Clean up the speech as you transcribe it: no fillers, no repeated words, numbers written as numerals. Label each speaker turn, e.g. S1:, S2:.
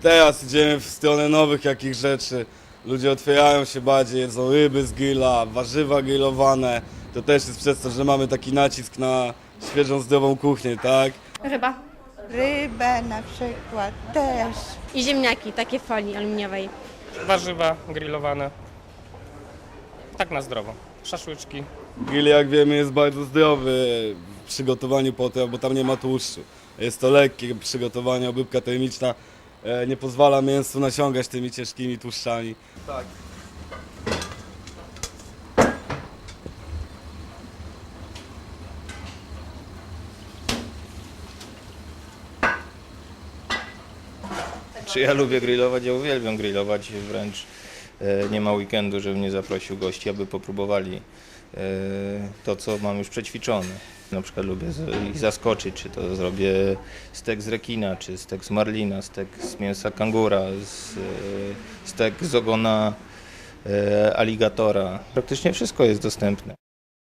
S1: Teraz idziemy w stronę nowych jakich rzeczy. Ludzie otwierają się bardziej, jedzą ryby z grilla, warzywa grillowane. To też jest przez to, że mamy taki nacisk na świeżą, zdrową kuchnię, tak?
S2: Ryba
S3: Rybę na przykład też.
S2: i ziemniaki, takie w folii aluminiowej.
S4: Warzywa grillowane. Tak na zdrowo. Szaszłyczki.
S1: Grill, jak wiemy, jest bardzo zdrowy w przygotowaniu potraw, bo tam nie ma tłuszczu. Jest to lekkie przygotowanie, obróbka termiczna nie pozwala mięsu nasiągać tymi ciężkimi tłuszczami. Tak.
S5: Czy ja lubię grillować? Ja uwielbiam grillować, wręcz nie ma weekendu, żebym nie zaprosił gości, aby popróbowali to, co mam już przećwiczone. Na przykład lubię ich zaskoczyć, czy to zrobię stek z rekina, czy stek z marlina, stek z mięsa kangura, stek z ogona aligatora. Praktycznie wszystko jest dostępne.